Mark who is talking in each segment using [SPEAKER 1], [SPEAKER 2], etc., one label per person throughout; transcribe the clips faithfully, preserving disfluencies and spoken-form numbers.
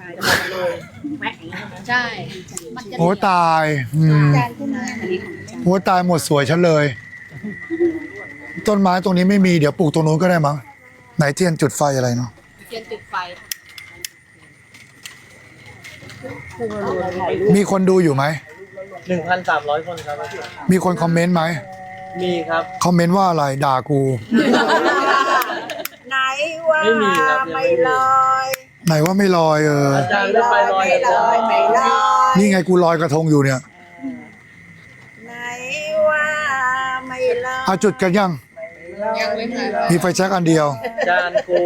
[SPEAKER 1] ใช่
[SPEAKER 2] โอ้ตายอืมโอ้ตายหมดสวยฉันเลย ต้นไม้ตรงนี้ไม่มีเดี๋ยวปลูกตรงนู้นก็ได้มั้งไหนเทียนจุดไฟอะไรเนาะ
[SPEAKER 1] เทียนจุดไฟ
[SPEAKER 2] มีคนดูอยู่ไหม
[SPEAKER 3] หนึ่งพันสามร้อยคนครับ
[SPEAKER 2] มีคนคอมเมนต์ไหม
[SPEAKER 3] มีครับ
[SPEAKER 2] คอมเมนต์ว่าอะไรด่ากู
[SPEAKER 4] ไหนว่าไม่ลอย
[SPEAKER 2] ไหนว่าไม่ลอยเออ
[SPEAKER 3] อาจารย์จะไปลอย
[SPEAKER 4] ไม่ลอยไม่ลอย
[SPEAKER 2] นี่ไงกูลอยกระทงอยู่เนี่ย
[SPEAKER 4] ไหนว่าไม่ลอย
[SPEAKER 2] เอาจุดกันยัง
[SPEAKER 1] ยังไม่มา
[SPEAKER 2] มีไฟแช็กอันเดียว
[SPEAKER 3] อาจารย์กู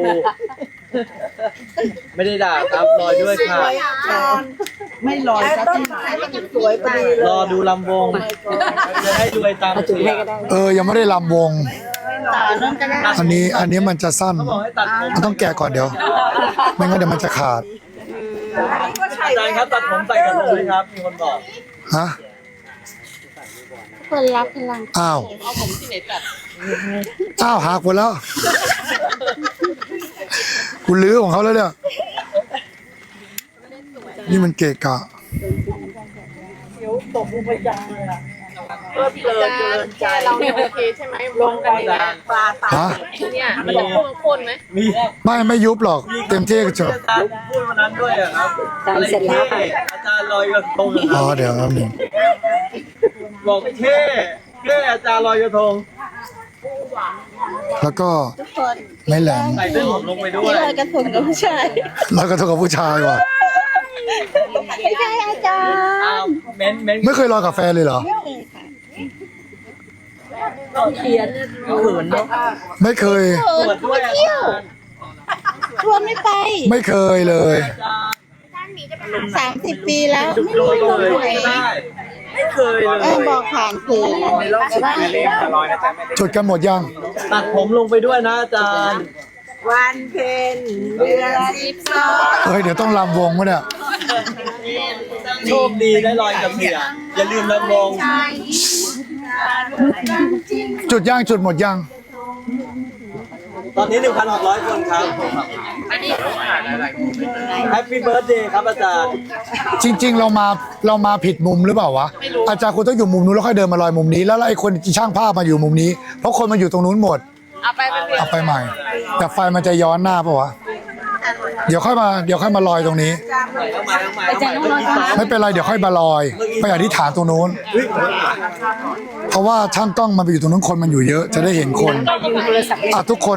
[SPEAKER 3] ไม่ได้ด่าครับลอยด้วยค่ะ
[SPEAKER 4] ไม่ลอยต้นไม้มันสวยไปเลย
[SPEAKER 3] รอดูลำวงจะได้รวยตามเสียง
[SPEAKER 2] เออยังไม่ได้ลำวง อันนี้อันนี้มันจะสั้น
[SPEAKER 3] เขาบอกให้ตัดผม
[SPEAKER 2] มันต้องแกะก่อนเดี๋ยว ไม่งั้นเดี๋ยวมันจะขาด
[SPEAKER 3] อาจารย์ครับตัดผมใส่กระทงไหมครับ มีคนบอก
[SPEAKER 2] ฮะ
[SPEAKER 1] คนรับพลัง
[SPEAKER 2] อ้าว
[SPEAKER 1] เอาผมที่ไหนตัด
[SPEAKER 2] อ้าวหักหมดแล้ว กูลื้อของเขาแล้วเนี่ย นี่มันเกะกะ
[SPEAKER 1] แกเราเนี่ยโอเคใช่ไหมลงกันเนี่ย
[SPEAKER 4] ปลาตา
[SPEAKER 2] ฮะ
[SPEAKER 1] เนี่ยมันจะพุ่งคนไหม
[SPEAKER 3] มี
[SPEAKER 2] ไม่ไม่ยุบหรอก เต็มที่ก็จบ
[SPEAKER 3] อาจารย์พูดวันนั้นด้วยอะครับอะไรเท่อาจารย์ลอยกระทงอะค
[SPEAKER 2] อ๋
[SPEAKER 3] รั
[SPEAKER 2] อบ เดี๋ยวครับหนึ่ง
[SPEAKER 3] บอกเท่เท่อาจารย์ลอยกระทง
[SPEAKER 2] แล้วก็ไม่แหลม
[SPEAKER 3] ใส่เส้นผมลงไปด้วย
[SPEAKER 4] กระทงกับผู้ชาย
[SPEAKER 2] แล้วก็เท่ากับผู้ชายว่ะ
[SPEAKER 4] ไม่ใช่อาจารย์
[SPEAKER 3] อ้าวเม้นเม้น
[SPEAKER 2] ไม่เคยลอยกับแฟนเลยเหรอ
[SPEAKER 4] เขียนเขินเนาะ
[SPEAKER 2] ไม่เคย
[SPEAKER 3] ตรวจด้วยอาจารย์
[SPEAKER 4] ชวนไม่ไป
[SPEAKER 2] ไม่เคยเลย
[SPEAKER 3] อาจารย์
[SPEAKER 4] สามสิบปีแล้ว
[SPEAKER 3] จุดลอยเลยไม่ได้ ไม่เคยเล
[SPEAKER 4] เออย บอกผ่านสื่อแต่ว่า
[SPEAKER 2] จุดกันหมดยัง
[SPEAKER 3] ตัดผมลงไปด้วยนะอาจารย์
[SPEAKER 4] วันเพ็ญเดือนสิบสอง
[SPEAKER 2] เฮ้ยเดี๋ยวต้องลำวงวะเนี่ย
[SPEAKER 3] โชคดีได้ลอยกับเสียอย่าลืมลำวง
[SPEAKER 2] จุดย่างจุดหมดยัง
[SPEAKER 3] ตอนนี้ หนึ่งพันหกร้อย คนครับแฮปปี้เบิร์ดเดย์ครับอาจารย์
[SPEAKER 2] จริง ๆ เรามาเรามาผิดมุมหรือเปล่าวะ อาจารย์คุณต้องอยู่มุมนู้นแล้วค่อยเดินมาลอยมุมนี้ แล้วไอ้คนช่างภาพมาอยู่มุมนี้ เพราะคนมาอยู่ตรงนู้นหมด
[SPEAKER 1] เอาไปไปเปลี่ยน
[SPEAKER 2] เอาไปใหม่ แต่ไฟมันจะย้อนหน้าปะวะ เดี๋ยวค่อยมาเดี๋ยวค่อยมาลอยตรงนี้
[SPEAKER 3] อาจารย์ต้องรอก่อน
[SPEAKER 2] ไม่เป็นไรเดี๋ยวค่อยมาลอย ไปอธิษฐานตรงนู้น เพราะว่าช่างกล้องมันไปอยู่ตรงนู้นคนมันอยู่เยอะ จะได้เห็นคนอ่ะทุกคน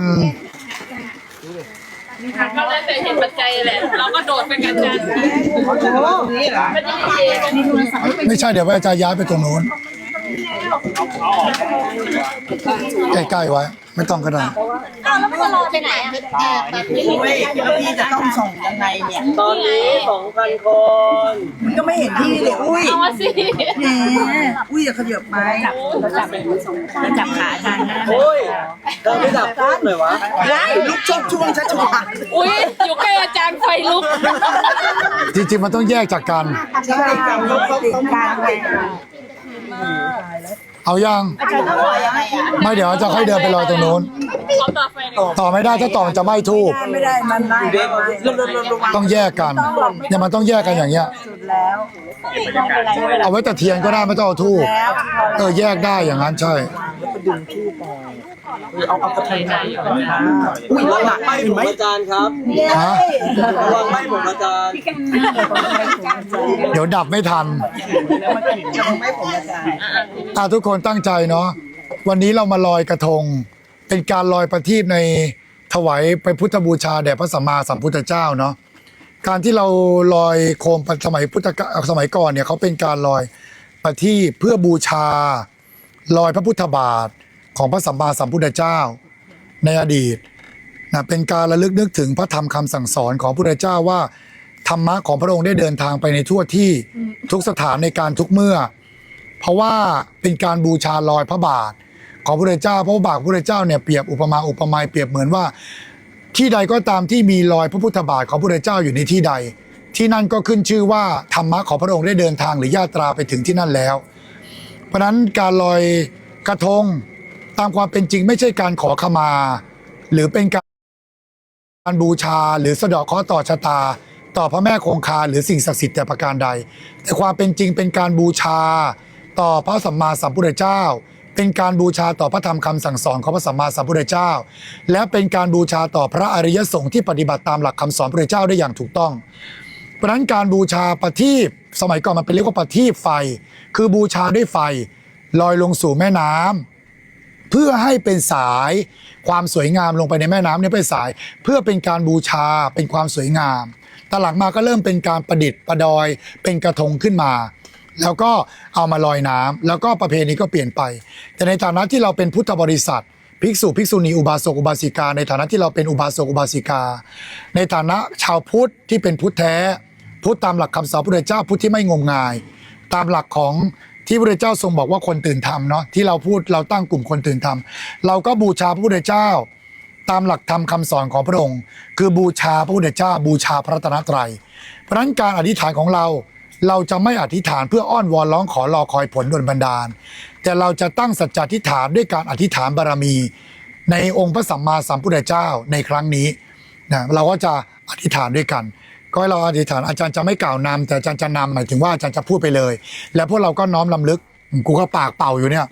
[SPEAKER 1] ก็แล้วแต่เห็นปัจจัยแหละ เราก็โดดเป็นกันจันไม่ได้เอง
[SPEAKER 2] ไม่ใช่เดี๋ยวอาจารย์ย้ายไปตรงนู้นใกล้ๆไว้ ไม่ต้องก็ได้
[SPEAKER 1] แล้วมันจะรอไปไหนอ่ะแบบนี้
[SPEAKER 4] ไม่แล้วพี่จะต้องส่งยังไงเนี่ย
[SPEAKER 3] ตอนนี้ สองพัน คน
[SPEAKER 4] มันก็ไม่เห็นพี่เลยอุ้ย
[SPEAKER 1] เอามาสิ
[SPEAKER 4] แหมอุ้ยอย่าขยับไปจับจับขาอาจารย์นะ
[SPEAKER 3] โอ้ยเราไม่ดับพูดหน่อยวะ
[SPEAKER 4] ได้ลุกช่วงช่วงชัชวา
[SPEAKER 1] อุ้ยอยู่ใกล้อาจารย์ไฟลุก
[SPEAKER 2] จริงๆมันต้องแยกจากกัน
[SPEAKER 4] ใช่การลุกเขาต้องการไง
[SPEAKER 2] เอายัง
[SPEAKER 4] อาจารย์ต้องขอยังไงอ่ะ
[SPEAKER 2] ไม่เดี๋ยวจะค่อยเดินไปลอยตรงนู้น
[SPEAKER 1] เขาต่อไฟเลย
[SPEAKER 2] ต่อไม่ได้ถ้าต่อมันจะไหม้ทูบ
[SPEAKER 4] ไม่ได้มันได้ลงลงลงลง
[SPEAKER 2] ต้องแยกกันเนี่ยมันต้องแยกกันอย่างเงี้ย
[SPEAKER 4] สุดแล้ว
[SPEAKER 2] เอาไว้แต่เทียนก็ได้ไม่ต้องเอาทูบ
[SPEAKER 4] แล้ว
[SPEAKER 2] เออแยกได้อย่างนั้นใช่
[SPEAKER 4] เอาเอากระทงได้อยู่นะ
[SPEAKER 3] อุ้ยระวังไหม้ผมอาจารย์ครับ
[SPEAKER 2] ฮะ
[SPEAKER 3] ระวังไหม้ผมอาจารย์
[SPEAKER 2] เดี๋ยวดับไม่ทัน
[SPEAKER 4] ไม่ผมอาจารย์
[SPEAKER 2] อ่ะทุกคนตั้งใจเนาะวันนี้เรามาลอยกระทง เป็นการลอยประทีปในถวายไปพุทธบูชาแด่พระสัมมาสัมพุทธเจ้าเนาะการที่เราลอยโคมสมัยพุทธกาลสมัยก่อนเนี่ยเขาเป็นการลอยประทีปเพื่อบูชาลอยพระพุทธบาทของพระสัมมาสัมพุทธเจ้าในอดีตนะเป็นการระลึกนึกถึงพระธรรมคำสั่งสอนของพระพุทธเจ้าว่าธรรมะของพระองค์ได้เดินทางไปในทั่วที่ทุกสถานในการทุกเมื่อ เพราะว่าเป็นการบูชาลอยพระบาทของพระพุทธเจ้าพระบาทพระพุทธเจ้าเนี่ยเปรียบอุปมาอุปไมยเปรียบเหมือนว่า ที่ใดก็ตามที่มีรอยพระพุทธบาทของพระพุทธเจ้าอยู่ในที่ใด ที่นั่นก็ขึ้นชื่อว่าธรรมะของพระองค์ได้เดินทางหรือญาตราไปถึงที่นั่นแล้ว เพราะฉะนั้นการลอยกระทงตามความเป็นจริงไม่ใช่การขอขมา หรือเป็นการบูชาหรือสะเดาะเคราะห์ต่อชะตาต่อพระแม่คงคาหรือสิ่งศักดิ์สิทธิ์แต่ประการใดแต่ความเป็นจริงเป็นการบูชาต่อพระสัมมาสัมพุทธเจ้าเป็นการบูชาต่อพระธรรมคำสั่งสอนของพระสัมมาสัมพุทธเจ้าและเป็นการบูชาต่อพระอริยสงฆ์ที่ปฏิบัติตามหลักคำสอนพระพุทธเจ้าได้อย่างถูกต้องเพราะฉะนั้นการบูชาประทีปสมัยก่อนมันเป็นเรียกว่าประทีปไฟคือบูชาด้วยไฟลอยลงสู่แม่น้ำเพื่อให้เป็นสายความสวยงามลงไปในแม่น้ำเนี่ยเป็นสายเพื่อเป็นการบูชาเป็นความสวยงามตอนหลังมาก็เริ่มเป็นการประดิษฐ์ประดอยเป็นกระทงขึ้นมาแล้วก็เอามาลอยน้ำแล้วก็ประเพณีก็เปลี่ยนไปแต่ในฐานะที่เราเป็นพุทธบริษัทภิกษุภิกษุณีอุบาสกอุบาสิกาในฐานะที่เราเป็นอุบาสกอุบาสิกาในฐานะชาวพุทธที่เป็นพุทธแท้พุทธตามหลักคำสอนพระพุทธเจ้าพุทธที่ไม่งมงายตามหลักของที่พระพุทธเจ้าทรงบอกว่าคนตื่นธรรมเนาะที่เราพูดเราตั้งกลุ่มคนตื่นธรรมเราก็บูชาพระพุทธเจ้าตามหลักธรรมคำสอนของพระองค์คือบูชาพระพุทธเจ้าบูชาพระรัตนตรัยเพราะฉะนั้นการอธิษฐานของเราเราจะไม่อธิษฐานเพื่ออ้อนวอนร้องขอรอคอยผลดลบันดาลแต่เราจะตั้งสัจจอธิษฐานด้วยการอธิษฐานบารมีในองค์พระสัมมาสัมพุทธเจ้าในครั้งนี้นะเราก็จะอธิษฐานด้วยกันก็ให้เราอธิษฐานอาจารย์จะไม่กล่าวนำแต่อาจารย์จะนำหมายถึงว่าอาจารย์จะพูดไปเลยแล้วพวกเราก็น้อมลำลึกกูก็ปากเป่าอยู่เนี่ย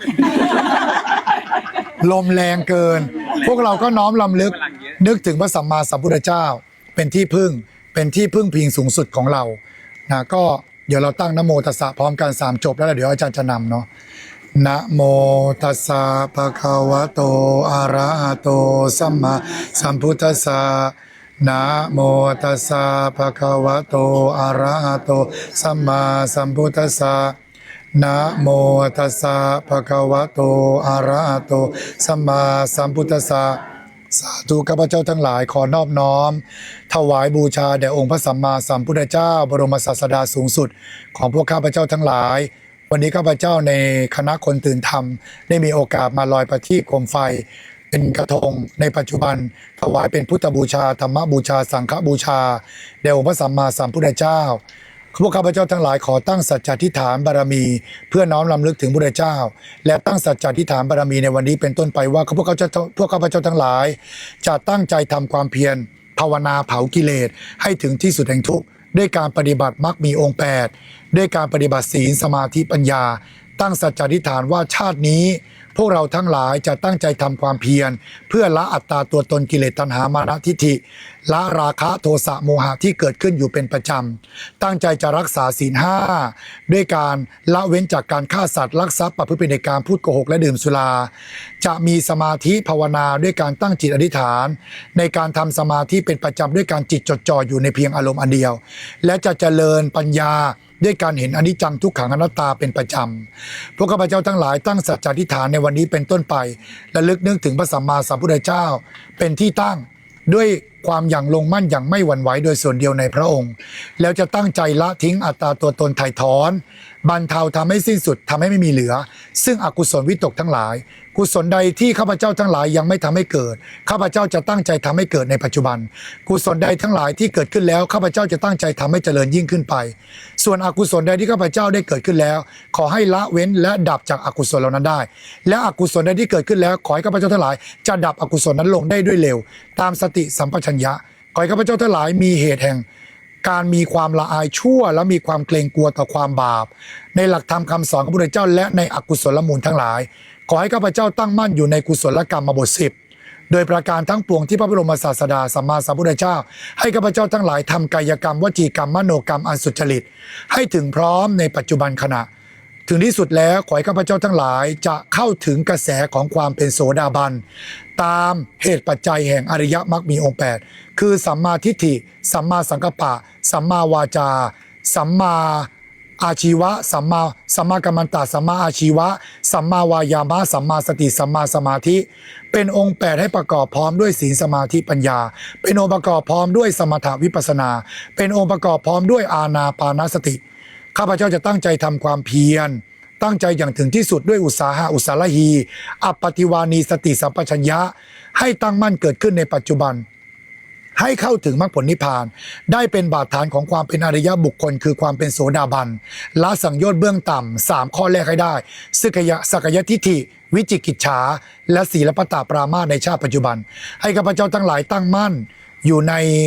[SPEAKER 2] ลมแรงเกินพวกเราก็น้อมลำลึกนึกถึงพระสัมมาสัมพุทธเจ้าเป็นที่พึ่งเป็นที่พึ่งพิงสูงสุดของเรานะก็เดี๋ยวเราตั้งนะโมตัสสะพร้อมกันสามจบแล้วเดี๋ยวอาจารย์จะนำเนาะนะโมตัสสะภะคะวะโตอะระหะโตสัมมาสัมพุทธัสสะนะโมตัสสะภะคะวะโตอะระหะโตสัมมาสัมพุทธัสสะนะโมตัสสะภะคะวะโตอะระหะโตสัมมาสัมพุทธัสสะสาธุข้าพเจ้าทั้งหลายขอนอบน้อมถวายบูชาแด่องค์พระสัมมาสัมพุทธเจ้าบรมศาสดาสูงสุดของพวกข้าพเจ้าทั้งหลายวันนี้ข้าพเจ้าในคณะคนตื่นธรรมได้มีโอกาสมาลอยประทีปโคมไฟเป็นกระทงในปัจจุบันถวายเป็นพุทธบูชาธรรมบูชาสังฆบูชาแด่องค์พระสัมมาสัมพุทธเจ้าพวกข้าพเจ้าทั้งหลายขอตั้งสัจจอธิษฐานบารมีเพื่อน้อมรำลึกถึงพระเจ้าและตั้งสัจจอธิษฐานบารมีในวันนี้เป็นต้นไปว่าพวกข้าพเจ้าพวกข้าพเจ้าทั้งหลายจะตั้งใจทำความเพียรภาวนาเผากิเลสให้ถึงที่สุดแห่งทุกข์ด้วยการปฏิบัติมรรคมีองค์แปดด้วยการปฏิบัติศีลสมาธิปัญญาตั้งสัจจอธิษฐานว่าชาตินี้พวกเราทั้งหลายจะตั้งใจทำความเพียรเพื่อละอัตตาตัวตนกิเลสตัณหามานะทิฏฐิละราคะโทสะโมหะที่เกิดขึ้นอยู่เป็นประจำตั้งใจจะรักษาศีลห้าด้วยการละเว้นจากการฆ่าสัตว์ลักทรัพย์ประพฤติผิดในการพูดโกหกและดื่มสุราจะมีสมาธิภาวนาด้วยการตั้งจิตอธิษฐานในการทำสมาธิเป็นประจำด้วยการจิตจดจ่ออยู่ในเพียงอารมณ์อันเดียวและจะเจริญปัญญาด้วยการเห็นอนิจจังทุกขังอนัตตาเป็นประจำพวกข้าพเจ้าทั้งหลายตั้งสัจจอธิษฐานในวันนี้เป็นต้นไปและลึกนึกถึงพระสัมมาสัมพุทธเจ้าเป็นที่ตั้งด้วยความอย่างลงมั่นอย่างไม่หวั่นไหวโดยส่วนเดียวในพระองค์แล้วจะตั้งใจละทิ้งอัตตาตัวตนไถ่ถอนบรรเทาทำให้สิ้นสุดทำให้ไม่มีเหลือซึ่งอกุศลวิตกทั้งหลายกุศลใดที่ข้าพเจ้าทั้งหลายยังไม่ทำให้เกิดข้าพเจ้าจะตั้งใจทำให้เกิดในปัจจุบันกุศลใดทั้งหลายที่เกิดขึ้นแล้วข้าพเจ้าจะตั้งใจทำให้เจริญยิ่งขึ้นไปส่วนอกุศลใดที่ข้าพเจ้าได้เกิดขึ้นแล้วขอให้ละเว้นและดับจากอกุศลเหล่านั้นได้และอกุศลใดที่เกิดขึ้นแล้วขอให้ข้าพเจ้าทั้งหลายจะดับอกุศลนั้นลงได้ด้วยเร็วตามสติสัมปชัญญะขอให้ข้าพเจ้าทั้งหลายมีเหตุแห่งการมีความละอายชั่วและมีความเกรงกลัวต่อความบาปในหลักธรรมคำสอนของพระพุทธเจ้าและในอกุศลมูลทั้งหลายขอให้ข้าพเจ้าตั้งมั่นอยู่ในกุศลกรรมบทสิบโดยประการทั้งปวงที่พระบรมศาสดาสัมมาสัมพุทธเจ้าให้ข้าพเจ้าทั้งหลายทำกายกรรมวจีกรรมมโนกรรมอันสุจริตให้ถึงพร้อมในปัจจุบันขณะถึงที่สุดแล้วขอให้ข้าพเจ้าทั้งหลายจะเข้าถึงกระแสของความเป็นโสดาบันตามเหตุปัจจัยแห่งอริยมรรคมีองค์แปดคือสัมมาทิฏฐิสัมมาสังกัปปะสัมมาวาจาสัมมาอาชีวะสัมมาสัมมากัมมันตะสัมมาอาชีวะสัมมาวายามะสัมมาสติสัมมาสมาธิเป็นองค์แปดให้ประกอบพร้อมด้วยศีลสมาธิปัญญาเป็นองค์ประกอบพร้อมด้วยสมถะวิปัสสนาเป็นองค์ประกอบพร้อมด้วยอานาปานสติข้าพเจ้าจะตั้งใจทำความเพียรตั้งใจอย่างถึงที่สุดด้วยอุตสาหะอุตสาหะฮีอัปปติวานีสติสัมปชัญญะให้ตั้งมั่นเกิดขึ้นในปัจจุบันให้เข้าถึงมรรคผลนิพพานได้เป็นบาดฐานของความเป็นอริยบุคคลคือความเป็นโสดาบันละสังโยชน์เบื้องต่ำสามข้อแรกให้ได้สักยะสักยทิฏฐิวิจิกิจฉาและศีลปตาปรามาสในชาติปัจจุบันให้ข้าพเจ้าทั้งหลายตั้งมั่นอยู่ใน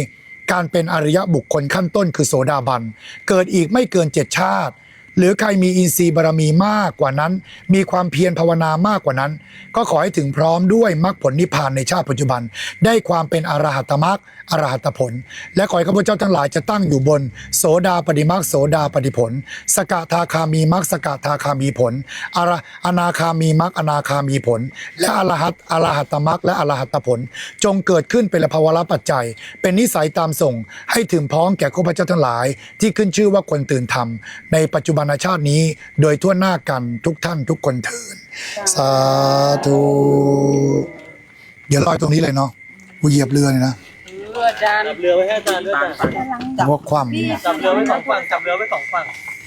[SPEAKER 2] การเป็นอริยบุคคลขั้นต้นคือโสดาบันเกิดอีกไม่เกินเจ็ดชาติหรือใครมีอินทรีย์บารมีมากกว่านั้นมีความเพียรภาวนามากกว่านั้นก็ขอให้ถึงพร้อมด้วยมรรคผลนิพพานในชาติปัจจุบันได้ความเป็นอรหัตมรรคอรหัตผลและขอให้ข้าพเจ้าทั้งหลายจะตั้งอยู่บนโสดาปฏิมรรคโสดาปฏิผลสกทาคามีมรรคสกทาคามีผลอรอนาคามีมรรคอนาคามีผลและอรหัตอรหัตมรรคและอรหัตผลจงเกิดขึ้นเป็นภาวะปัจจัยเป็นนิสัยตามส่งให้ถึงพร้อมแก่ข้าพเจ้าทั้งหลายที่ขึ้นชื่อว่าคนตื่นธรรมในปัจจุบันชาตินี้โดยทั่วหน้ากันทุกท่านทุกคนเถิดสาธุเดี๋ยวลอยตรงนี้เลยเนาะกูเหยียบเรือเลยนะ
[SPEAKER 1] เรือจาน
[SPEAKER 3] จับเรือไว้ให้อาจารย์ด้วยจ้ะ
[SPEAKER 2] พวกความนี้นะ
[SPEAKER 3] จับเรือไว้สองฝั่งจับเรือไว้สองฝั่ง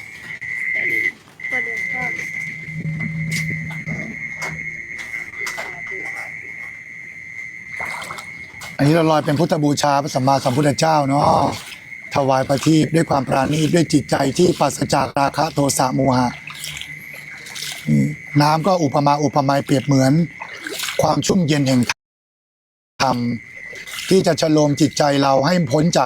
[SPEAKER 2] อันนี้เราลอยเป็นพุทธบูชาพระสัมมาสัมพุทธเจ้าเนาะถวายประทีปด้วยความปราณีตด้วยจิตใจที่ปราศจากราคะโทสะโมหะนี่น้ำก็อุปมาอุปไมยเปรียบเหมือนความชุ่มเย็นแห่งธรรมที่จะชโลมจิตใจเราให้พ้นจาก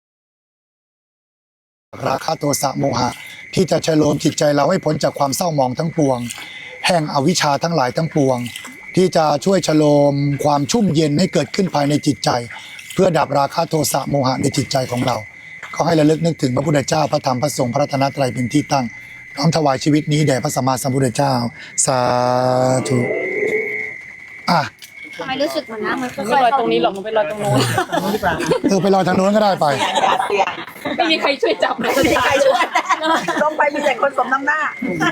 [SPEAKER 2] ราคะโทสะโมหะที่จะชโลมจิตใจเราให้พ้นจากความเศร้าหมองทั้งปวงแห่งอวิชชาทั้งหลายทั้งปวงที่จะช่วยชโลมความชุ่มเย็นให้เกิดขึ้นภายในจิตใจเพื่อดับราคะโทสะโมหะในจิตใจของเราขอให้ระลึกนึกถึงพระพุทธเจ้าพระธรรมพระสงฆ์พระรัตนตรัยเป็นที่ตั้งน้อมถวายชีวิตนี้แด่พระสัมมาสัมพุทธเจ้าสาธุอ่ะ
[SPEAKER 5] ทำไมรู้สึกเหมือนน้ำมันค่
[SPEAKER 1] ไม่
[SPEAKER 5] อย
[SPEAKER 1] ลอย
[SPEAKER 5] ๆ
[SPEAKER 1] ตรงนี้หรอกมันไปลอยตรงโน้น
[SPEAKER 2] เออไปลอยทางโน้นก็ได้ไป
[SPEAKER 1] ไม่มีใครช่วยจับเลย
[SPEAKER 4] ใครช่วยลงไปมีแต่คนสมน้ำหน้า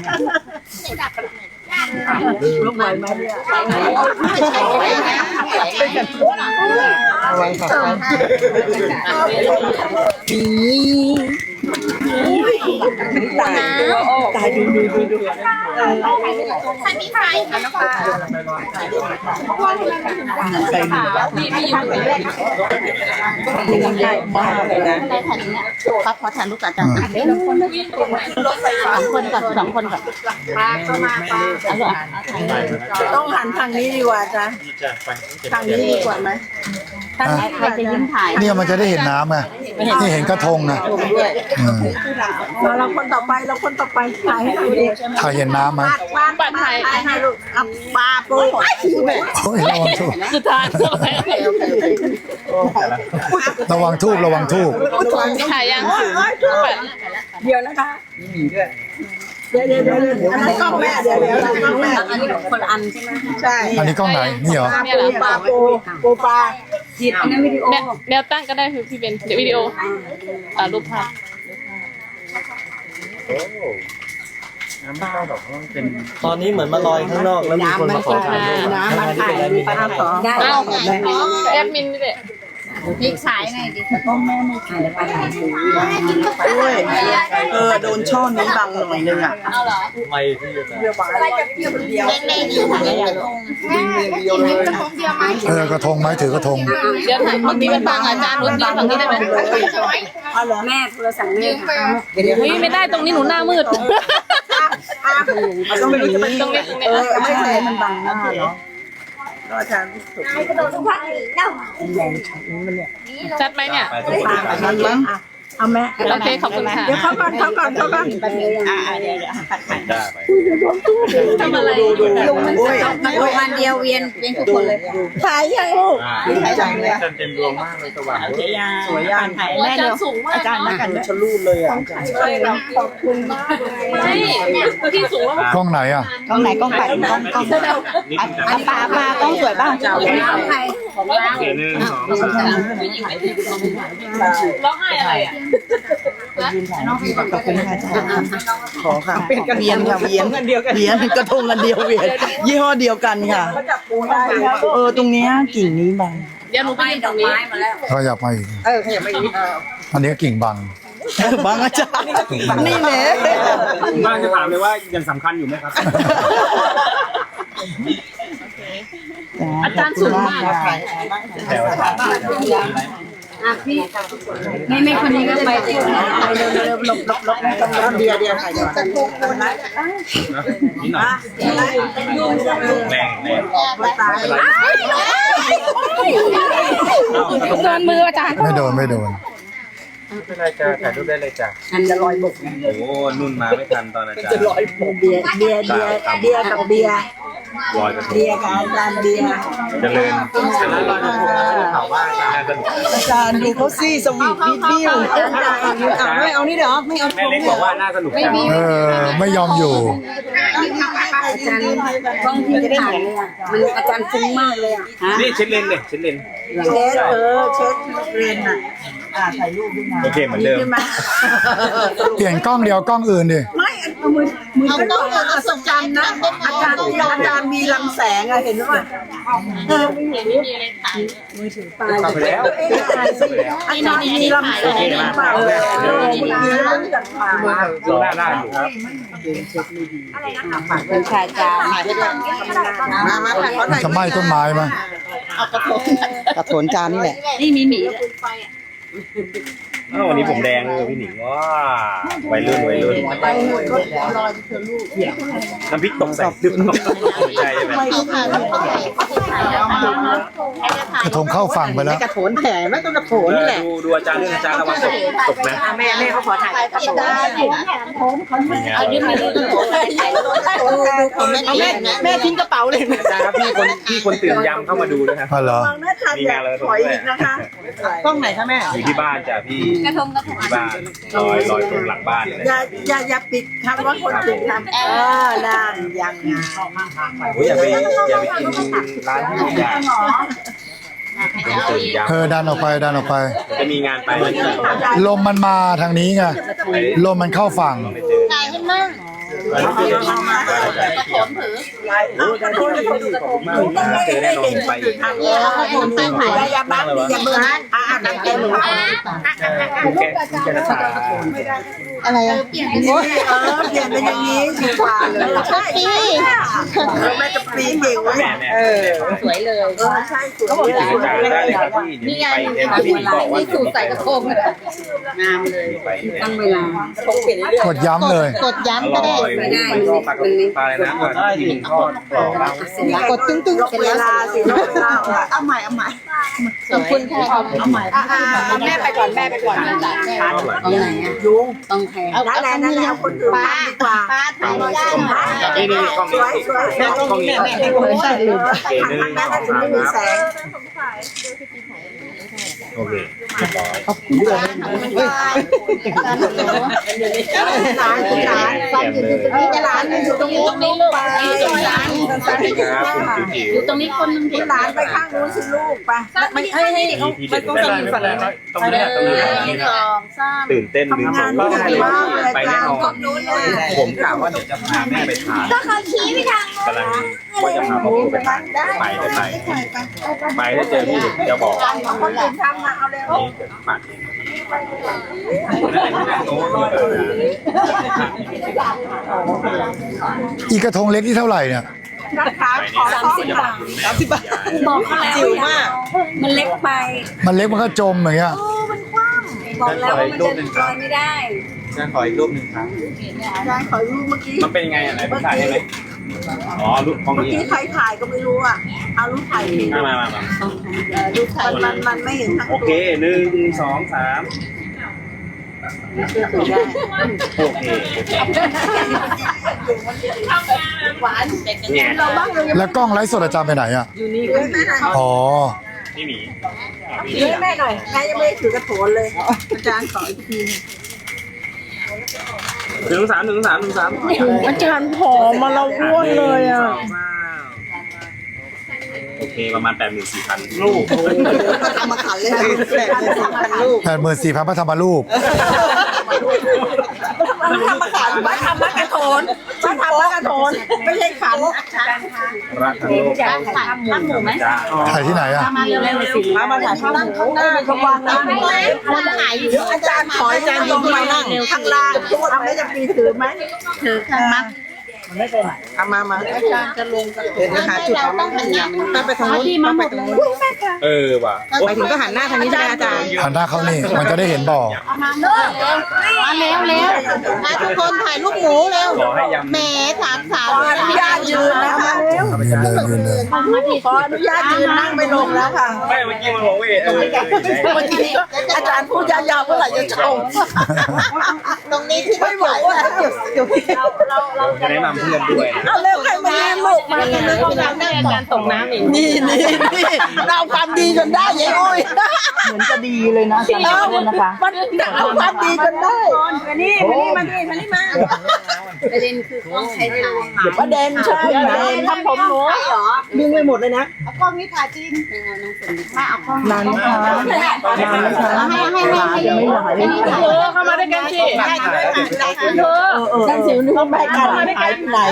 [SPEAKER 4] ลงไปไหมเนี่ยตายตายดูดูดูดู
[SPEAKER 5] ใครมีใครใครน้องปลา
[SPEAKER 4] ใครมี
[SPEAKER 1] นี่ไม่ยืนอยู่เลย
[SPEAKER 4] ได้มากเลยนะ
[SPEAKER 5] ได้ถ่ายนี้ครับขอถ่ายรูปกับอาจารย์เดี๋ยวสองคนก่อนสองคนก่อนปลาเข้ามาปลาเอาเหรอ
[SPEAKER 4] ต้องหันทางนี้ดีกว่าจ้ะทางนี้ดีกว่าไหมทางนี้
[SPEAKER 5] ใครจะยิ้มถ่าย
[SPEAKER 2] เนี่ยมันจะได้เห็นน้ำไงนี่เห็นกระทงไงเออ
[SPEAKER 4] เราคนต่อไปเราคนต่อไปถ่ายให้ดูดิ
[SPEAKER 2] ถ่ายเห็นน้ำไหม
[SPEAKER 4] ปลาปลาถ่ายถ่ายลูกปลาปู
[SPEAKER 2] โอ้ยระวังทูบ
[SPEAKER 1] สุดท้ายเข้าไป
[SPEAKER 2] ระวังทูบระวังทูบ
[SPEAKER 1] ถ่ายยัง
[SPEAKER 4] เดี๋ยวนะคะเดี๋ยวเดี๋ยวเดี๋ยวอันนั้นกล้องแม่เดี๋ยวเดี๋ยวกล้องแม่อันนี้คนอันใช่ไหมใช่
[SPEAKER 2] อันนี้กล้องไหนนี่เหรอ
[SPEAKER 1] เนี่ยเหรอ
[SPEAKER 4] ปลาปูปูปลาจิตอันนั้นวิดีโอ
[SPEAKER 1] แนวแนวตั้งก็ได้คือพี่เบนเดี๋ยววิดีโออ่ารูปภาพ
[SPEAKER 3] ตอนนี้เหมือนมาลอยข้างนอกแล้วมีคนมาขอถ่ายรูป
[SPEAKER 4] น้ำมันถ่ายมีปลาสองได้
[SPEAKER 1] เอ้าแอดมินนี่แหละ
[SPEAKER 5] พลิกสายหน่อยดิ
[SPEAKER 4] ด้วยเออโดนช่อนี้บังหน่อยนึงอ่ะ
[SPEAKER 1] เอาเหรอ
[SPEAKER 3] ไม่ที่จะ
[SPEAKER 5] เล่นๆอยู่ถ่ายกระทงแม่กินกระทงเดียวไหม
[SPEAKER 2] เออกระทงไหมถือกระทง
[SPEAKER 1] เดี๋ยวถ่ายฝั่งนี้เป็นฝั่งอาจารย์รุ่นนี้ฝั่งนี้ได้ไหม
[SPEAKER 4] เอาเหรอแม่โทรศัพท์เนี่ย
[SPEAKER 1] เฮ้ยไม่ได้ตรงนี้หนูหน้ามืด
[SPEAKER 4] ต้องเป็นอย่างนี้
[SPEAKER 1] ตรงนี้ตรงนี้
[SPEAKER 4] เออไม่ใช่มันบังหน้าเนาะก็อาจารย์สุด
[SPEAKER 5] กระโดดทุกครั้งเน่า
[SPEAKER 4] แรงช็อตนี้มันเนี่ย
[SPEAKER 1] ชัดไหมเนี่ย
[SPEAKER 4] ปากมันมั้งเอาแม่
[SPEAKER 1] โอเคขอบคุณค่ะ
[SPEAKER 4] เดี๋ยวเข้าก่อนเข้าก่อนเข้าก่อนอ่าเดี๋ยวเดี๋ยวผัดผัด
[SPEAKER 1] ทำอะไร
[SPEAKER 4] ดูดูโอ้ย
[SPEAKER 5] ลงวันเดียวเวียนเวียนทุกคนเลย
[SPEAKER 4] ถ่ายยังลูกถ่ายยังเลย
[SPEAKER 3] เต็มดวงมากเลยสว่าง
[SPEAKER 4] สวยยังถ่ายแม่เร็ว
[SPEAKER 1] สูงมาก
[SPEAKER 4] อาจารย์นักกันชะลูดเลยอ่ะใช่ขอบคุณมากเลย
[SPEAKER 1] ไม่พี่สูงแล้ว
[SPEAKER 2] กล้องไหนอ่ะ
[SPEAKER 4] กล้องไหนกล้องปัดกล้องกล้องอันปลาปลากล้องสวยบ้าง
[SPEAKER 5] ของใครของเรา
[SPEAKER 3] เดี๋ยวหนึ่งสองสาม
[SPEAKER 1] ร้องไห้อะไรอ่ะ
[SPEAKER 4] ขอบคุณค่ะอาจารย์ขอค่ะเป็นกันเวียนค่ะเวียนกันเดียวกันเวียนกระทงกันเดียวเวียนยี่ห้อเดียวกันค่ะเออตรงนี้กิ่งนี้บาง
[SPEAKER 1] เดี๋ยวหนูไปยืนตรงนี้
[SPEAKER 2] ขยับมาอีก
[SPEAKER 4] เออขยับไปอีก
[SPEAKER 2] อันนี้กิ่งบัง
[SPEAKER 4] บางอาจารย์นี่แหละ
[SPEAKER 6] บ้านจะถามเลยว่ายังสำคัญอยู่ไหมครับ
[SPEAKER 1] อาจารย์สูงมาก
[SPEAKER 3] แถว
[SPEAKER 5] ไม่ไม่คนนี้ก็ไปเร็วเร็วหลบหลบหลบเดียเดียใส่ก่อน
[SPEAKER 6] นิดหน่อยแรงแรง
[SPEAKER 5] โดนมืออาจารย์
[SPEAKER 2] ไม่โดนไม่โดน
[SPEAKER 6] ไม่เป็นไรจ้าถ่ายรูปได้เลยจ้า
[SPEAKER 4] อันจะลอยบก
[SPEAKER 6] โอ้นุ่นมาไม่ทันตอนอาจารย์
[SPEAKER 4] จะลอยบกเบียร์เบียร์เบียร์เบียร์กับเบียร์
[SPEAKER 6] ลอยกระทง
[SPEAKER 4] เบียร์กับอาจารย์เบียร์
[SPEAKER 6] เจริญชนะลอยกระทงเผาว่าอาจารย์น่าสนุก
[SPEAKER 4] อาจารย์ดูเขาซี่สวีทวิดวิวไม่เอานี่เดี๋ยวไม่เอา
[SPEAKER 6] แม่เล็กบอกว่าน่าสนุกจัง
[SPEAKER 2] เออ ไม่ยอมอยู่
[SPEAKER 4] อาจารย์กล้องที่จะได้ถ่ายเลยอ่ะมันอาจารย์ฟุ้งมากเลยอ่ะ
[SPEAKER 6] นี่เช็ดเลนเนี่ยเช็ดเลน
[SPEAKER 4] เช็ดเออเช็ดเรนอ่ะอ่าถ่ายรูปด้วยนะ
[SPEAKER 6] โอเคเหมือนเดิม
[SPEAKER 2] เปลี่ยนกล้องเดียวกล้องอื่นดิ
[SPEAKER 4] ไม่เอามือมือเป็นกล้องอัศจรรย์นะอาจารย์อาจารย์มีลำแสงอะเห็นไหมเออ
[SPEAKER 1] ไม่มีอะไรถ่าย
[SPEAKER 6] เข้าไปแล้ว
[SPEAKER 4] อาจารย์มีลำแสงเปล่าเออเมื่อกี้เราจากผ่าน
[SPEAKER 6] มาดูหน้าหน้าอยู่ครับ
[SPEAKER 5] เป็นชายจานมาด้วย
[SPEAKER 4] มามาถ่ายเขา
[SPEAKER 2] มัน
[SPEAKER 4] ถ่าย
[SPEAKER 2] จะไหม้ต้นไม้ไหม
[SPEAKER 4] กระโถนจานนี่แหละ
[SPEAKER 5] นี่มีหมี
[SPEAKER 6] อ้าววันนี้ผมแดงเลยพี่หนิงว้าวัยรุ่นวัยรุ่นน้ำพริกตกใส่ดึกไม่ใช่ใช่ไหม
[SPEAKER 2] กระทงเข้าฝั่งไปแล้ว
[SPEAKER 4] กระโถนแผลไม่ต้องกระโถนนี่แหละ
[SPEAKER 6] ดูดูอาจารย์เรื่องอาจารย์ระวังตกตกนะ
[SPEAKER 4] แม่แม่เขาขอถ่ายกระโถน
[SPEAKER 5] เอายืมมาดู
[SPEAKER 4] เอาแม่แม่ทิ้งกระเป๋าเลย
[SPEAKER 6] อาจารย์ครับพี่คนพี่คนตื่นยำเข้ามาดูนะครับ
[SPEAKER 2] อ๋อเหรอ
[SPEAKER 6] มีงานอะไร
[SPEAKER 4] ถอยอีกนะคะกล้องไหนคะแม่
[SPEAKER 6] อยู่ที่บ้านจ้ะพี่
[SPEAKER 5] กระทงกระทง
[SPEAKER 6] ที่บ้านลอยลอยตรงหลังบ้านเลย
[SPEAKER 4] อย่าอย่าอย่าปิดคำว่าคนตื่นทำเออนั่นยัง
[SPEAKER 6] โอ้ยอย่าไปอย่าไปกินร้านที่อยู่ยากคนตื่นยำ
[SPEAKER 2] เออดันออกไปดันออกไป
[SPEAKER 6] จะมีงานไปแล้ว
[SPEAKER 2] ลมมันมาทางนี้ไง ลมมันเข้าฝั่ง
[SPEAKER 5] ถ่ายให้มั่ง
[SPEAKER 6] เจอแน่นอนไปอีก
[SPEAKER 4] อย่าอย่าบังอย่าเบื่ออ่าตั้งใจหนู
[SPEAKER 6] แกแกจะตา
[SPEAKER 5] อะไรอ่ะเปลี่ยนเป็น
[SPEAKER 4] เออเปลี่ยนเป็นอย่างนี้ดีกว่าเลยใช่แม่จะปีเก่ง
[SPEAKER 6] แม่แม่
[SPEAKER 5] สวยเลย
[SPEAKER 4] เออใช่สวย
[SPEAKER 6] คิดถึงอาจารย์ได้เลยครับพี่เดี๋ยวไปเอ็มพี่บอกว่า
[SPEAKER 5] สูตรใส่กระทงงามเลย
[SPEAKER 6] ไปเอ็ม
[SPEAKER 5] ตั้งเวลาก
[SPEAKER 2] ดย้ำเลย
[SPEAKER 5] กดย้ำก็ได้
[SPEAKER 6] ไม่ก็ปลากระปลาอะไรนะที่หนึ่งทอดกรอบแล้ว
[SPEAKER 4] กดตึ้งตึ้งเวลาสิเวลาเอาใหม่เอาใหม่
[SPEAKER 5] ขอบคุณค่ะเอาใหม่แม่ไปก่อนแม่ไปก่อนตรงไหนอ่ะ
[SPEAKER 4] ยุง
[SPEAKER 5] ต้องแทง
[SPEAKER 4] นั่นแหละนั่นแหละเอาคนอื่นดีกว่า
[SPEAKER 5] ป้าถ่ายได้
[SPEAKER 6] นี่นี่กล้องนี้แม่กล้องนี้
[SPEAKER 4] แม่ให้ผมใส่ลืม
[SPEAKER 6] โอเคหนึ่ง
[SPEAKER 4] แม่
[SPEAKER 6] สอง
[SPEAKER 4] ถึง
[SPEAKER 6] สาม
[SPEAKER 4] ไม่มีแสง
[SPEAKER 6] โอเค
[SPEAKER 4] หลานหลานฟังอยู่ตรงนี้จะหลานอยู่ตรงนี้ตรงนี้ลูกไปหลาน
[SPEAKER 6] สวัสดีครับคุณจิ๋วจิ๋ว
[SPEAKER 5] อยู่ตรงนี้คนนึง
[SPEAKER 4] หลานไปข้างนู้นสิลูกไปไม่ให้ให้
[SPEAKER 6] มีทีเด็ดไม่เป็นไรไม่เป็นไรตรงนี้ตรงนี้ตรงนี้
[SPEAKER 5] สองสาม
[SPEAKER 6] ตื่นเต้นลืมผมก็ได้เลยไปแน่นอน
[SPEAKER 4] นู้นเนี่ย
[SPEAKER 6] ผมกะว่าเดี๋ยวจะพาแม่ไปทาน
[SPEAKER 5] ก็เขาชี้ไปทาง
[SPEAKER 6] กำลังว่าจะพาพ่อไปทานไปได้ไปไปถ้าเจอพี่จะบอก
[SPEAKER 4] คนอื่นทำมาเอาเร็ว
[SPEAKER 6] นี่เกิดปัดนั่นแหละที่นั่งโต๊ะนี่
[SPEAKER 2] อีกระทงเล็กที่เท่าไหร่เนี่ย
[SPEAKER 4] นะคะขอสามสิบบาทสามสิบบาทบอกเขาแล้วจิ๋วมากมันเล็กไป
[SPEAKER 2] มันเล็กมันก็จมอย่างเงี้ย
[SPEAKER 4] บอกแล้วว่ามันจะลอยไม่ได้
[SPEAKER 6] จะขออีกรูปหนึ่งครับ
[SPEAKER 4] อาจารย์ขอรูปเมื่อกี้
[SPEAKER 6] มันเป็นยังไงอ่ะไหนผมถ่ายได้ไหมอ๋อรูปห้อง
[SPEAKER 4] เมื่อ
[SPEAKER 6] นี้
[SPEAKER 4] กี้ใครถ่ายก็ไม่รู้อ่ะเอารูปถ่ายผิด
[SPEAKER 6] มามามามา
[SPEAKER 4] รูปถ่ายมันมันไม่เห็นทั้ง
[SPEAKER 6] โอเคหนึ่งสองสามโอเคเนี่ย
[SPEAKER 2] แล้วกล้องไลฟ์สดอาจารย์ไปไหนอ่ะ
[SPEAKER 4] อยู่นี่ด้วยแม่หน่อย
[SPEAKER 2] อ๋อ
[SPEAKER 6] พี่หมี
[SPEAKER 4] ด้วยแม่หน่อยแม่ยังไม่ได้ถือกระโถนเลยอาจารย์ขออีกที
[SPEAKER 6] หนึ่งสามหนึ่งสามหนึ่งสาม
[SPEAKER 4] อาจารย์ผอมมาแล้วอ้วนเลยอ่ะ
[SPEAKER 6] โอเคประมาณแปดหมื่นสี่พันลูก
[SPEAKER 4] ก็ทำมาขันเลยแปดสิบพันลูก
[SPEAKER 2] แปดหมื่นสี่พันพระธรรมรูป
[SPEAKER 4] มันทำมาขันมาทำมากระโถนมาทำมากระโถนไม่ใช่ขัน
[SPEAKER 6] รักทั้งโลก
[SPEAKER 5] ถ่ายถ่ายข้างหมูไหม
[SPEAKER 6] จ้า
[SPEAKER 2] ถ่ายที่ไหนอ่ะ
[SPEAKER 5] มาเร็วๆสิ
[SPEAKER 4] มามาถ่ายข้างข้างหน้าระวังนะ
[SPEAKER 5] เราถ่ายอยู่
[SPEAKER 4] เดี๋ยวอาจารย์ขออาจารย์ลงมานั่งข้างล่างทำไม่จะปีถือไหม
[SPEAKER 5] ถือข้างมัด
[SPEAKER 4] เอามามาอาจารย์จะลงเดี๋ยวหาจุด
[SPEAKER 5] เราต้องหันหน้า
[SPEAKER 4] ต้องไปทางนู้นต้องไปตรงนู้น
[SPEAKER 6] เออว่ะ
[SPEAKER 4] ไปถึงก็หันหน้าทางนี้ใช่ไหมอาจารย์
[SPEAKER 2] หันหน้าเข้านี่มันจะได้เห็นบ่อ
[SPEAKER 5] มาเร็วมาเร็วเร็วมาทุกคนถ่ายรูปหมูเร็ว
[SPEAKER 6] ขอให้ยำ
[SPEAKER 5] แหมสามสาว
[SPEAKER 4] ขออนุญาตยืนนะคะ
[SPEAKER 2] ยืนเลยยืนเลย
[SPEAKER 4] ขออนุญาตยืนนั่งไปลงแล้วค่ะ
[SPEAKER 6] ไม่เมื่อกี้มันบอกเวทเออ
[SPEAKER 4] เมื่อกี้อาจารย์พูดยาวๆเมื่อไหร่จะชม
[SPEAKER 5] ตรงนี้ที่
[SPEAKER 4] ไม่ไหวแล้วเดี๋ยวพี่
[SPEAKER 6] จะแนะนำเพื่อนด้วยนะ
[SPEAKER 4] เอาเร็วใครมาแย่งลูกมา
[SPEAKER 1] นี่นะที่อาจารย์ตกน้ำอีก
[SPEAKER 4] นี่นี่นี่เราเอาความดีจนได้ยายอุ้ยเหมือนจะดีเลยนะอาจารย์นะคะมันเอาความดีจนได้มานี่มานี่มานี่มานี่มาประเด็นคือต้องใช้ทางประเด็นใช่ประเด็น
[SPEAKER 1] ทำผมหนู
[SPEAKER 4] ดึงไปหมดเลยนะ
[SPEAKER 5] เอากล้องนี้ถ่ายจริงไม่เอากล้อง
[SPEAKER 4] นานไหมคะนานไหมคะ
[SPEAKER 5] ให้ให้ให้ให้
[SPEAKER 4] ยังไม่หายเลย
[SPEAKER 1] เธอเข้ามาด้วยกันสิ
[SPEAKER 5] ได้ด้วยถ่าย
[SPEAKER 1] เธอ
[SPEAKER 4] ฉันสิวนึกว่าแม่กันหายไปไหน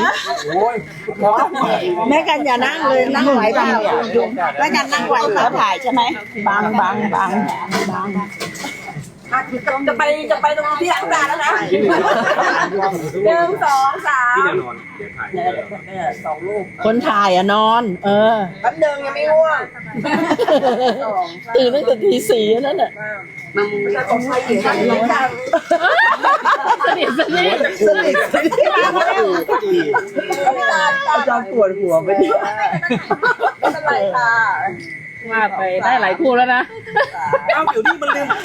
[SPEAKER 4] แม่กันอย่านั่งเลยนั่งไหวเปล่าแม่กันนั่งไหวเปล่าถ่ายใช่ไหมบางบางบางบางจะไปจะไปตรงที่อาจารย์แล้วนะหนึ่งสองสาม
[SPEAKER 6] ที่แนวนอนเดี๋ยวถ่าย
[SPEAKER 4] คนถ่ายอะนอน เออแป๊บนึงยังไม่ง่วงตื่นตั้งแต่ตีสี่นั่นน่ะ
[SPEAKER 1] สนิทสนิท
[SPEAKER 4] อาจารย์ปวดหัวไปเนี่ยไม่เป็นไรค่ะ
[SPEAKER 1] ว่าไปได้หลายคู่แล้วนะ
[SPEAKER 3] เอ้าเดี๋ยวนี้มันลืม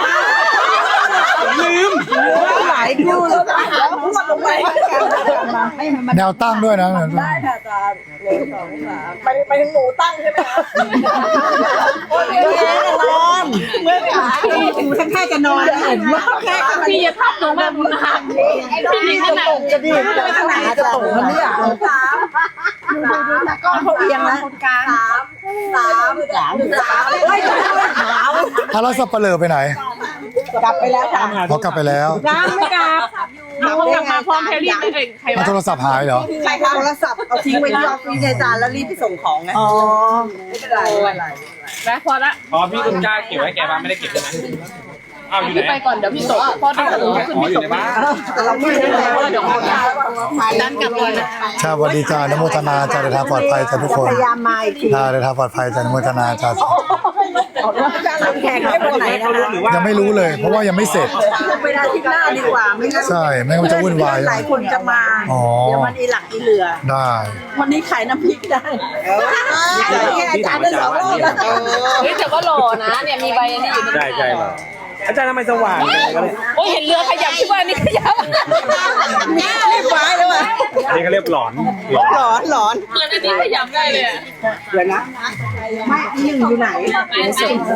[SPEAKER 4] ลืมหลายคู่แล้วแล้วพูดลงไป
[SPEAKER 2] แนวตั้งด้วยนะ
[SPEAKER 4] ได้ค่ะอาจารย์หนึ่งสองสามไปไปถึงหนูตั้งใช่ไหมคะตัวเองนอนเมื่อขาหนูทั้งแค่จะนอนเห็นว่าแค่
[SPEAKER 1] พี่อย่าทับหนูแบบนานพี่ลิงขนาด
[SPEAKER 4] จะดีไปทางไหนจะตกมันเนี่ยสามสามก้อนเขาเอียงนะคนกลางสามสามสามสามเฮ้ยขาว
[SPEAKER 2] ถ้าเราสับเปลือไปไหน
[SPEAKER 4] กลับไปแล้วค่ะ
[SPEAKER 2] เขากลับไปแล้ว
[SPEAKER 1] ยังไม่กลับเขากลับมาพร้อมแพรรี่ไม่เคยใคร
[SPEAKER 2] เอา
[SPEAKER 1] วะ
[SPEAKER 2] โทรศัพท์หายเหรอ
[SPEAKER 4] ใครคะโทรศัพท์เอาทิ้งไว้ที่ออฟฟิศอาจารย์แล้วรีบไปส่งของไงอ๋อไม่เป็นไรไม่เป็นไร
[SPEAKER 1] แล้วพอละ
[SPEAKER 6] อ๋อพี่ต้นกล้าเก็บไว้แกบ้านไม่ได้เก็บใช่ไหมอ้าวอยู่ไหน
[SPEAKER 1] พี่ไปก่อนเดี๋ยวพี่ตกพอได้ถึงขึ้น
[SPEAKER 6] อ๋อ
[SPEAKER 1] พี่
[SPEAKER 6] อ
[SPEAKER 1] ต
[SPEAKER 6] ยู่
[SPEAKER 1] ก
[SPEAKER 6] ในบ้าน
[SPEAKER 4] แต่เราไม่ได้แล้วเดี๋ยวคนยา
[SPEAKER 1] ดันกลับก่อนนะ
[SPEAKER 2] ชาวัสดีจ้าอนโมทนาจ้าเดินทางปลอดภัยจ้าทุกคน
[SPEAKER 4] พยายามมาอีกที
[SPEAKER 2] จ้าเดินทางปลอดภัยจ้าอนโมทนาจ้า
[SPEAKER 4] อาจารย์ลงแข่งให้วันไหนนะคะ
[SPEAKER 6] หรือว่า
[SPEAKER 2] ยังไม่รู้เลย เพราะว่ายังไม่เสร็จ
[SPEAKER 4] ไปได้ที่หน้าดีกว่าไม่งั้น
[SPEAKER 2] ใช่ไม่งั้นมันจะวุ่นวาย
[SPEAKER 4] หลายคนจะมา
[SPEAKER 2] อ๋อ
[SPEAKER 4] เดี๋ยวมันอีหลักอีเหลือ
[SPEAKER 2] ได้
[SPEAKER 4] วันนี้ขายน้ำพริกได้อาจารย์ได้สองรอบแล้ว
[SPEAKER 1] เฮ้ยแต่ก็หล่อนะเนี่ยมีใบอันนี้อยู่
[SPEAKER 6] ใช่ใช่ป่ะอาจารย์ทำไมสว่างจังเลย
[SPEAKER 1] โอ้ยเห็นเรือขยับที่ว่านี่ขยับ
[SPEAKER 4] รีบไว้แล้วอ่ะ
[SPEAKER 6] อันนี้เขาเรียกหลอนหลอน
[SPEAKER 4] หลอนหลอน
[SPEAKER 1] เหมือนอันนี้ขยับได้เลย
[SPEAKER 4] เดี๋ยวนะไม่อีหนึ่งอยู่ไหน
[SPEAKER 1] ไม่